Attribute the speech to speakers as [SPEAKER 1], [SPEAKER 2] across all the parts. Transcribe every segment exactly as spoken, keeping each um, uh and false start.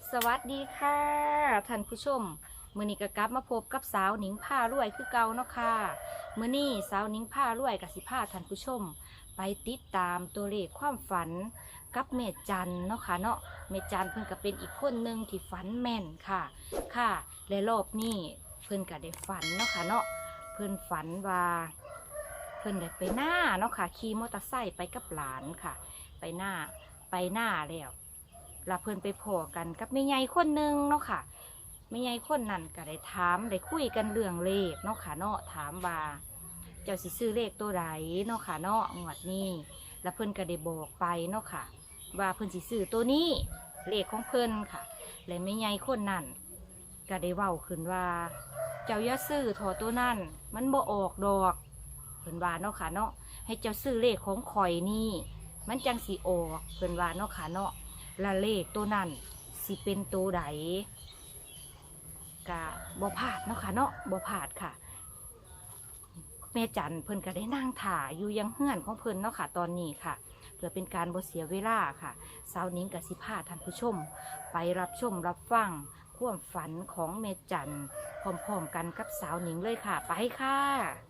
[SPEAKER 1] สวัสดีค่ะท่านผู้ชมมื้อนี้ก็กลับมาพบกับสาวหนิงผ้ารวยคือเก่าเนาะค่ะมื้อนี้สาวหนิงผ้ารวยกับสิพาท่านผู้ชม ไปติดตามตัวเลขความฝันกับเมจันเนาะค่ะเนาะเมจันเพิ่นก็เป็นอีกคนหนึ่งที่ฝันแม่นค่ะค่ะและรอบนี้เพิ่นก็ได้ฝันเนาะค่ะเนาะเพิ่นฝันว่าเพิ่นได้ไปหน้าเนาะค่ะขี่มอเตอร์ไซค์ไปกับหลานค่ะ ไปหน้าไปหน้าแล้วแล้วเพิ่นไปพอกันกับแม่ใหญ่คนหนึ่งเนาะค่ะแม่ใหญ่คนนั้นก็ได้ถามได้คุยกันเรื่องเลขเนาะค่ะเนาะถามว่าเจ้าสิซื้อเลขตัวใดเนาะค่ะเนาะงวดนี้แล้วเพิ่นก็ได้บอกไปเนาะค่ะว่าเพิ่นสิซื้อตัวนี้เลขของเพิ่นค่ะและแม่ใหญ่คนนั้นก็ได้เว้าขึ้นว่าเจ้าอย่าซื้อถอตัวนั้นมันบ่ออกดอกเพิ่นว่าเนาะค่ะเนาะให้เจ้าซื้อเลขของข่อยนี่มันจังสีออกเพิ่นว่าเนาะค่ะเนาะละเลขตัวนั้นสิเป็นตัวใดกะบ่พลาดเนาะค่ะเนาะบ่พลาดค่ะแม่จันเพิ่นก็ได้นั่งถ่าอยู่ยังเฮือนของเพิ่นเนาะค่ะตอนนี้ค่ะเพื่อเป็นการบ่เสียเวลาค่ะสาวนิ้งกับสิพาท่านผู้ชม ไปรับชมรับฟังความฝันของแม่จันพร้อมๆกันกับสาวนิ้งเลยค่ะไปค่ะ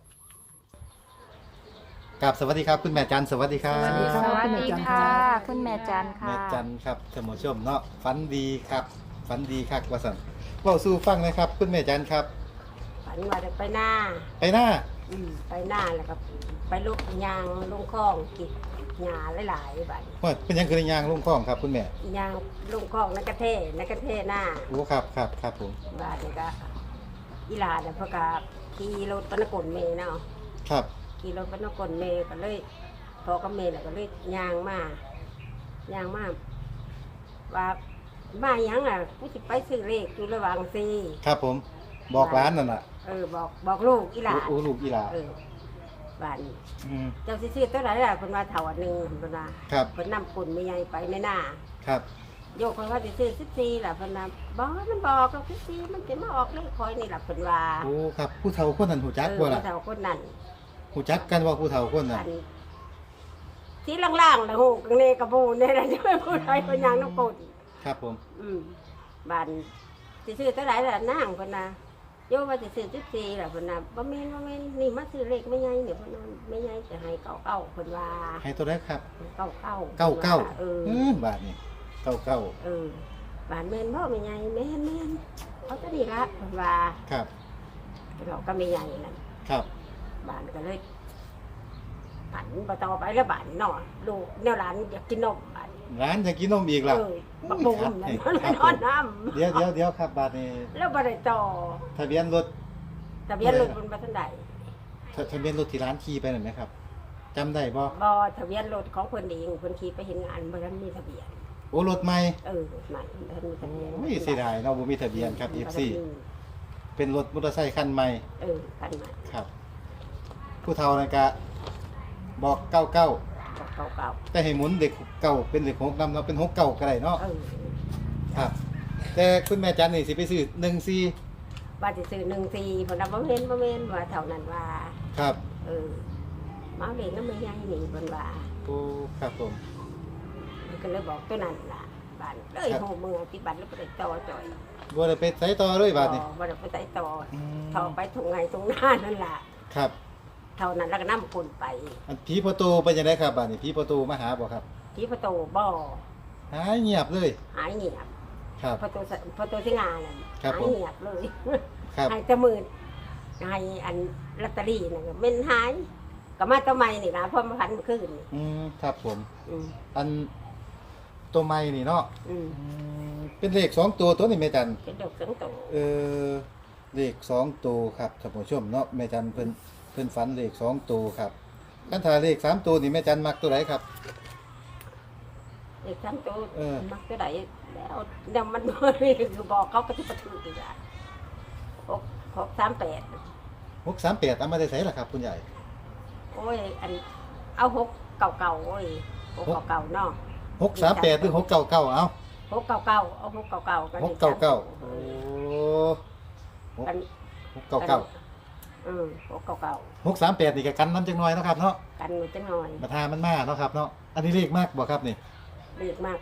[SPEAKER 2] กับสวัสดีครับคุณแม่จันสวัสดีครับ
[SPEAKER 3] สวัสดีครับ
[SPEAKER 1] สวัสดีค่ะคุณแม่จันค่ะ
[SPEAKER 2] แม่จันครับท่านผู้ชมเนาะฝันดีครับฝันดีครับว่าสันเว้าสู่ฟังนะครับคุณแม่จันครับ
[SPEAKER 3] ฝันว่าได้ไปหน้า
[SPEAKER 2] ไปหน้า
[SPEAKER 3] อืมไปหน้าแล้วก็ไปลุกยางลงคลองกิดหญ้าหลายๆบัด
[SPEAKER 2] ว่าเป็นหยังคือในยางลุงคล้องครับคุณแม่
[SPEAKER 3] ยางลงคลองนักกระเทนักกระเทหน้า
[SPEAKER 2] โอ้ครับครับครับผม
[SPEAKER 3] บาดนี่ก็อีหลาเนี่ยเพนกะขี่รถปนกลเมเนาะ
[SPEAKER 2] ครับ
[SPEAKER 3] ขี่รถปนกลเมก็เลยพอกับเมแล้วก็เลยยางมา ยางมาว่ามาหยังอ่ะกูสิไปซื้อเลขอยู่ระหว่างซี
[SPEAKER 2] ครับผมบอกร้านนั่นน่ะ
[SPEAKER 3] เออบอกบอกลูกอีหลา
[SPEAKER 2] โอ้โอ้ลูกอีหลา
[SPEAKER 3] เออบ้าน
[SPEAKER 2] อืม
[SPEAKER 3] เจ้าสิซื้อตัวไหนล่ะเพิ่นว่าเท่าอันหนึงเพิ่นว่า
[SPEAKER 2] ครับ
[SPEAKER 3] เพิ่นนำปุ่นไม่ใหญ่ไปในหน้า
[SPEAKER 2] ครับ
[SPEAKER 3] โยกเพิ่นว่าสิซื้อสิบสี่ล่ะเพิ่นว่าบ่มันบอกเราสิบสี่มันสิมาออกเลขคอยนี่ล่ะเพิ่นว่า
[SPEAKER 2] โอ้ครับผู้เฒ่าคนนั้นหูจัก
[SPEAKER 3] เอ
[SPEAKER 2] บ่
[SPEAKER 3] อ
[SPEAKER 2] ล่ะ
[SPEAKER 3] เท่าคนนั้น
[SPEAKER 2] หูจักกันว่าผู้เฒ่าคนนั้น
[SPEAKER 3] อันที่ล่างๆน่ะฮู้กังเนกระบูนี่ล่ะจะไปพูดให้เพิ่นยังน้ำปุ่น
[SPEAKER 2] ครับผม
[SPEAKER 3] อืมบ้านสิซื้อตัวไหนล่ะนางเพิ่นน่ะโยกว่าสิซื้อสิบสี่ล่ะเพิ่นน่ะบ่แม่นบ่แม่นนี่มาซื้อเลขไม่ใหญ่เนี่ยเพิ่นว่าไม่ใหญ่จะให้เก้าเก้าเพิ่นว่า
[SPEAKER 2] ให้ตัวแรกครับ
[SPEAKER 3] เก้าเก้า
[SPEAKER 2] เก้าเก้า
[SPEAKER 3] เออ
[SPEAKER 2] อืมบาทนี่เก้าเก้า
[SPEAKER 3] เออบ้านแม่นพ่อไม่ใหญ่แม่นแม่นเขาจะดีละเพิ่นว่า
[SPEAKER 2] ครับ
[SPEAKER 3] เราก็ไม่ใหญ่นั่น
[SPEAKER 2] ครับ
[SPEAKER 3] บ้านก็เลยผันมาต่อไปแล้วบ้านนอนลูกแนวร้านอยากกินนมบ้าน
[SPEAKER 2] ร้านจะกินนมอีกล่ะ
[SPEAKER 3] เออบักบุ้มนั่น
[SPEAKER 2] ครับ
[SPEAKER 3] มันนอนน้
[SPEAKER 2] เดี๋ยวเดี๋ยวเดี๋ยวครับบาทนี้
[SPEAKER 3] ำแล้วบ่ได้ต่อ
[SPEAKER 2] ทะเบียนรถ
[SPEAKER 3] ทะเบียนรถบนบัทันใด
[SPEAKER 2] ทะทะเบียนรถที่ร้านขี่ไปหน่อยไหมครับจำได้บ่
[SPEAKER 3] บ่ทะเบียนรถของเพิ่นเองเพิ่นขี่ไปเห็นงานบ่ทันมีทะเบียน
[SPEAKER 2] โอ้รถใหม่
[SPEAKER 3] เออรถใหม่บ่ทันมีทะเบียน
[SPEAKER 2] โอ้ยเสียดายเนาะบ่มีทะเบียนครับ เอฟ ซี เป็นรถมอเตอร์ไซค์คันใหม่
[SPEAKER 3] เออคันใหม่
[SPEAKER 2] ครับ ผู้เฒ่านั่นก็บอกเก้าเก้า
[SPEAKER 3] เก่าเก่า
[SPEAKER 2] แต่ให้หมุนเด็กเก่าเป็นเด็กหกนำเนาะเป็นหกเก่าก็ได้เนาะ
[SPEAKER 3] ๆเออ
[SPEAKER 2] ครับ แต่คุณแม่จันนี่สิไปซื้อหนึ่งสี่
[SPEAKER 3] ว่าสิซื้อหนึ่งสี่เพิ่นว่าบ่แม่นบ่แม่นว่าเท่านั้นว่า
[SPEAKER 2] ครับ
[SPEAKER 3] เออมาเอาเด็กน้ำไม่ใหญ่นี่เพิ่นว่า
[SPEAKER 2] โอ้ครับผม
[SPEAKER 3] มันก็เลยบอกตัวนั้นล่ะบ้านเลยโหมือที่บ้านแล้วไปต่อจ่อย
[SPEAKER 2] บ่ได้ไปใส่ต่อเลยบาทนี่
[SPEAKER 3] บ่ได้ไปใส่ต่อ
[SPEAKER 2] อืม
[SPEAKER 3] เท่าไปถุงไงถุงหน้านั่นล่ะ
[SPEAKER 2] ครับ
[SPEAKER 3] เท่านั้นแล้วก็นำคนไป
[SPEAKER 2] อันผีประตูเป็นยังไงครับบาทนี่ผีประตูมาหาบ่ครับ
[SPEAKER 3] ที่ประตูบ่อ
[SPEAKER 2] หายเงียบเลย
[SPEAKER 3] หายเงียบ
[SPEAKER 2] ครับ
[SPEAKER 3] ประตูสประตูที่งานนั่น
[SPEAKER 2] ครับ
[SPEAKER 3] หา
[SPEAKER 2] ผ
[SPEAKER 3] ย
[SPEAKER 2] ม
[SPEAKER 3] เงียบเลย
[SPEAKER 2] ครับ
[SPEAKER 3] หายแตะมืดหายอันลอตเตอรี่นั่นก็เป็นหายก็มาตัวใหม่นี่นะเพราะมาพันเมื่อคืนนี่
[SPEAKER 2] อืมครับผม
[SPEAKER 3] อืม
[SPEAKER 2] อันตัวไม้นี่เนาะ
[SPEAKER 3] อืม
[SPEAKER 2] อืมเป็นเลขสองตัวตัวนี่แม่จัน
[SPEAKER 3] เป็นดอกเสียงโต
[SPEAKER 2] เออเลขสองตัวครับท่านผู้ชมเนาะแม่จันเพิ่นเพิ่นฝันเลขสองตัวครับคันถ้าเลขสามตัวนี่แม่จันมักตัวไหนครับ
[SPEAKER 3] เด็กทั้งโต
[SPEAKER 2] เออ
[SPEAKER 3] มักจะได้แล้วเดี๋ยวมันบ่ได้คือบอกเขาก็ที่ประตูอีกอ่ะหกหกสามแปด
[SPEAKER 2] หกสามแปดเอามาได้ใส่ล่ะครับคุณใหญ่
[SPEAKER 3] โอ้ย อัน เอาหกเก่าเก่าๆโอ้ยหกเก่าเก่าๆเนาะ
[SPEAKER 2] หกสามแปดหรือหกเก้าเก้าเอา
[SPEAKER 3] หกเก่าเก่าๆเอาหกเก่าเก่า
[SPEAKER 2] หกเก้าเก้าโอ้หก
[SPEAKER 3] กัน
[SPEAKER 2] หกเก้าเก้า
[SPEAKER 3] อืมหกเก่าเก่า
[SPEAKER 2] หกสามแปดนี่ก็กันน้ำจังน้อยเนาะครับเนาะ
[SPEAKER 3] ๆกันมันจะหน่อย
[SPEAKER 2] มาทามันมาเนาะครับเนาะอันนี้เลขมากบ่ครับนี่
[SPEAKER 3] เรียกมาก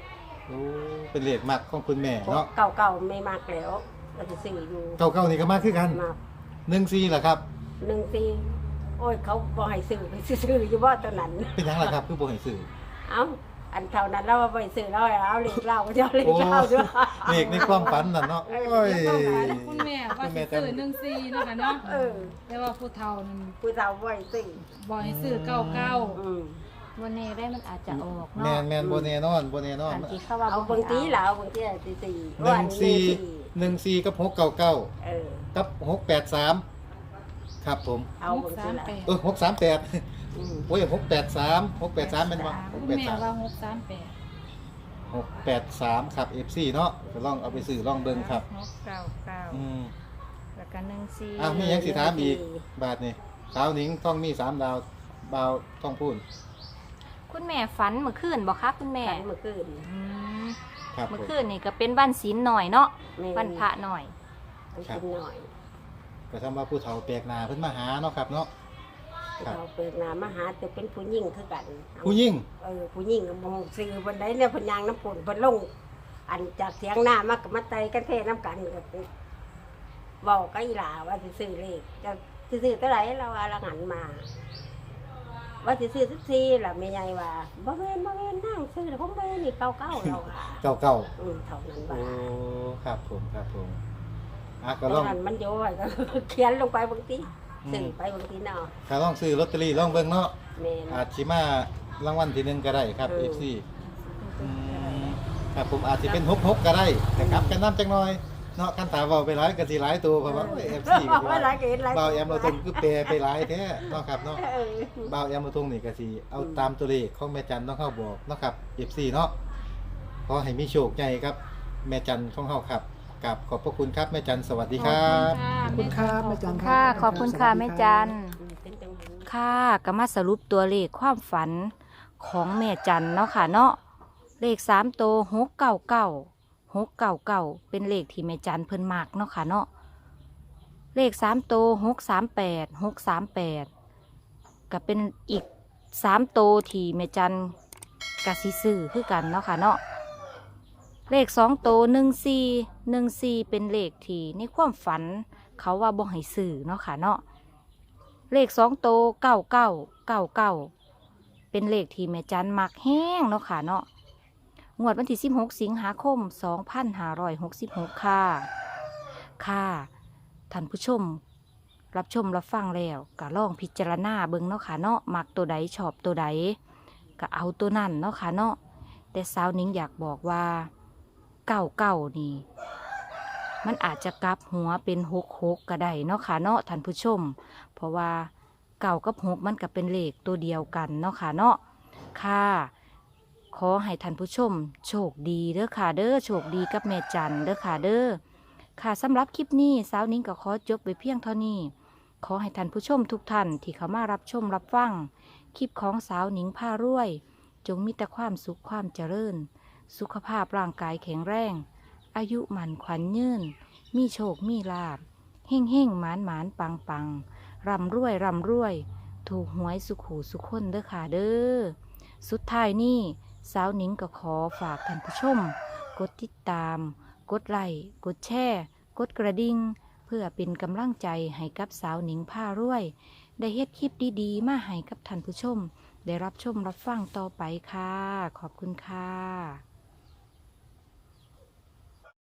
[SPEAKER 2] โอ้เป็นเลขมักของคุณแม่เนาะ
[SPEAKER 3] เก่าเก่าๆไม่มากแล้วเราจะซื้ออยู่
[SPEAKER 2] เก่าๆนี่ก็มาคือกัน
[SPEAKER 3] มา
[SPEAKER 2] หนึ่งสี่เหรอครับ
[SPEAKER 3] หนึ่งปีโอ้ยเขาบอให้ซื้อไปซื้ออยู่ว่าตอนนั้น
[SPEAKER 2] เป็นหยังล่ะครับคือบ่ให้ซื้อ
[SPEAKER 3] เอ้าอันเท่านั้นเราไปซื้อเราเอาเหล็กเหล้าก็จะเอาเหล็กเหล้าด้วย
[SPEAKER 2] เลขในความฝันน่ะเนาะ
[SPEAKER 3] เออ
[SPEAKER 2] โอ้ย
[SPEAKER 4] คุณแม่ว่า
[SPEAKER 2] คุณแม่
[SPEAKER 4] สิซื้อหนึ่งซีเนาะค่ะเนาะ
[SPEAKER 3] เออ
[SPEAKER 4] แต่ว่าผู้เฒ่านั่น
[SPEAKER 3] ผู้สาวบ่ให้ซื้อ
[SPEAKER 4] บ่ให้ซื้อเก้าเก้า
[SPEAKER 3] อืม
[SPEAKER 1] วันนี้ได้มันอาจจะออก
[SPEAKER 2] แม่
[SPEAKER 1] เนาะ
[SPEAKER 2] นแม่นบ่แน่นอนบ่แน่นอน
[SPEAKER 1] อันที่เขาว่า
[SPEAKER 3] เอา
[SPEAKER 1] บ่
[SPEAKER 3] บางที
[SPEAKER 1] ให้
[SPEAKER 3] แล้วบางทีสี่สี่
[SPEAKER 2] หนึ่งสี่หนึ่งสี่กับหกเก้าเก้า
[SPEAKER 3] เออ
[SPEAKER 2] กับหกแปดสามครับผม
[SPEAKER 3] เอา
[SPEAKER 4] หก
[SPEAKER 3] บางทีละ
[SPEAKER 4] สามแปด
[SPEAKER 2] เออหกสามแปด
[SPEAKER 3] อืม
[SPEAKER 2] โอ้ยหกแปดสามหกแปดสามเป็นบ่ห
[SPEAKER 4] คุ
[SPEAKER 2] ก
[SPEAKER 4] ณ
[SPEAKER 2] แปด
[SPEAKER 4] แม่
[SPEAKER 2] สาม
[SPEAKER 4] ว่าหกสามแปด
[SPEAKER 2] หกแปดสามครับ เอฟ ซี เนาะก็ลองเอาไปซื้อลองเบิ่งครับ
[SPEAKER 1] หกเก้าเก้า
[SPEAKER 2] อืม
[SPEAKER 1] แล้วก็หนึ่งสี่
[SPEAKER 2] อ้าวมีหยังสิถามอีกบาทนี่สาวหนิงต้องมีสามดาวบ่าวต้องพูด
[SPEAKER 1] คุณแม่ฝันเมื่อคืนบอกคะคุณแม่
[SPEAKER 3] ฝันเมื่อคืน
[SPEAKER 1] อืม
[SPEAKER 2] ครับผ
[SPEAKER 1] เมื่อ
[SPEAKER 2] ม
[SPEAKER 1] คืนนี่ก็เป็นวันศีลหน่อยเนาะ
[SPEAKER 3] แม่
[SPEAKER 1] วันพระหน่อย
[SPEAKER 3] มันกินหน่อย
[SPEAKER 2] ก็ทำว่าผู้เฒ่าแปลกหน้าเพิ่นมาหาเนาะครับเนาะ ครับ
[SPEAKER 3] เราเปิดหน้ามาหาแต่เป็นผู้หญิงคือกัน
[SPEAKER 2] ผู้หญิง
[SPEAKER 3] เออผู้หญิงกับมงซื้อบันไดเนี่ยเพนยางน้ำฝนเพนลง อันจากเสียงหน้ามากับมาไตกันเทน้ำกันก็ไปบอกกับอีหลาว่าสิซื้อเลขจะสิซื้อเท่าไหร่เราว่าเราหันมา ว่าสิซื้อสักทีล่ะแม่ใหญ่ว่าบ่แม่นบ่แม่นนั่งซื้อแต่ผมแม่นนี่เก่าเก่าๆเราค่ะ
[SPEAKER 2] เก่าเก่า
[SPEAKER 3] อืมเท่านั้น
[SPEAKER 2] ๆโอ้
[SPEAKER 3] ว่า
[SPEAKER 2] ครับผมครับผมอ่ะก็
[SPEAKER 3] ต
[SPEAKER 2] ล
[SPEAKER 3] อ
[SPEAKER 2] อน ง
[SPEAKER 3] นั้นมันโยยก็ เขียนลงไปบางที
[SPEAKER 2] อืม
[SPEAKER 3] ซื้อไปบางทีเนาะ
[SPEAKER 2] ก็ลองซื้อลอตเตอรี่ลองเบิ่งเนาะ
[SPEAKER 3] แม่น
[SPEAKER 2] อาจสิมารางวัลที่หนึ่งก็ได้ครับ
[SPEAKER 3] เออ
[SPEAKER 2] เอฟ ซี อืมครับผมอาจจะเป็นหกหกก็ได้แต่กลับกันน้ำจังหน่อยเนาะขั้นตาเบาไปหลายกันสิหลายตัวเพราะว่าเอฟซี
[SPEAKER 3] บอกว่าหลายก็เห็นหลาย
[SPEAKER 2] เบาแอมเราตรงคือเปรไปหลายแท้เนาะครับเนาะ
[SPEAKER 3] เออ
[SPEAKER 2] เบาแอมเราตรงนี่ก็สิเอาตามตัวเลขของแม่จันต้องเข้าบอกเนาะครับเอฟซีเนาะขอให้มีโชคใหญ่ครับ แม่จันของเข้าครับกับขอบพระคุณครับแม่จันสวัสดีครับ
[SPEAKER 4] ขอบคุณครับแม่จัน
[SPEAKER 1] ค่ะ ขอบคุณค่ะแม่จัน
[SPEAKER 3] อืมเป็นจังหวะ
[SPEAKER 1] ค่ะก็มาสรุปตัวเลขความฝันของแม่จันเนาะค่ะเนาะเลขสามตัวหกเก้าเก้าหกเก้าเก้าเป็นเลขที่แม่จันเพิ่นมากเนาะค่ะเนาะเลขสามตัวหกสามแปดหกสามแปดก็เป็นอีกสามตัวที่แม่จันกะสิซื้อคือกันเนาะค่ะเนาะเลขสองตัวหนึ่งสี่หนึ่งสี่เป็นเลขที่ในความฝันเขาว่าบ่ให้ซื้อเนาะค่ะเนาะ เลขสองโตเก้าเก้าเก้าเก้าเป็นเลขที่แม่จันมักแห้งเนาะค่ะเนาะงวดวันที่สิบหกสิงหาคมสองพันห้าร้อยหกสิบหกค่ะค่ะท่านผู้ชม รับชมรับฟังแล้วก็ลองพิจารณาเบิ่งเนาะค่ะเนาะมักตัวใดชอบตัวใดก็เอาตัวนั่นเนาะค่ะเนาะแต่สาวนิ้งอยากบอกว่าเก้าเก้านี่ มันอาจจะกลับหัวเป็นหกหกก็ได้เนาะค่ะเนาะท่านผู้ชม เพราะว่าเก่ากับหกมันก็เป็นเลขตัวเดียวกันเนาะค่ะเนาะค่ะ ขอให้ท่านผู้ชม โชคดีเด้อค่ะเด้อโชคดีกับแม่จันเด้อค่ะเด้อค่ะสำหรับคลิปนี้สาวนิ้งก็ขอจบไปเพียงเท่านี้ ขอให้ท่านผู้ชมทุกท่านที่เข้ามารับชมรับฟังคลิปของสาวนิ้งผ้ารวย จงมีแต่ความสุขความเจริญ สุขภาพร่างกายแข็งแรง อายุหมันขวัญยืนมีโชคมีลาบเฮ่งเฮ่งหมานหมานปังปังร่ำรวยร่ำรวย ถูกหวยสุขหูสุขคนเด้อค่ะเด้อสุดท้ายนี้สาวหนิงก็ขอฝากท่านผู้ชม กดติดตาม กดไลค์กดแชร์กดกระดิ่งเพื่อเป็นกำลังใจให้กับสาวหนิงผ้ารวย ได้เฮ็ดคลิปดีๆ มาให้กับท่านผู้ชม ได้รับชมรับฟังต่อไปค่ะ ขอบคุณค่ะ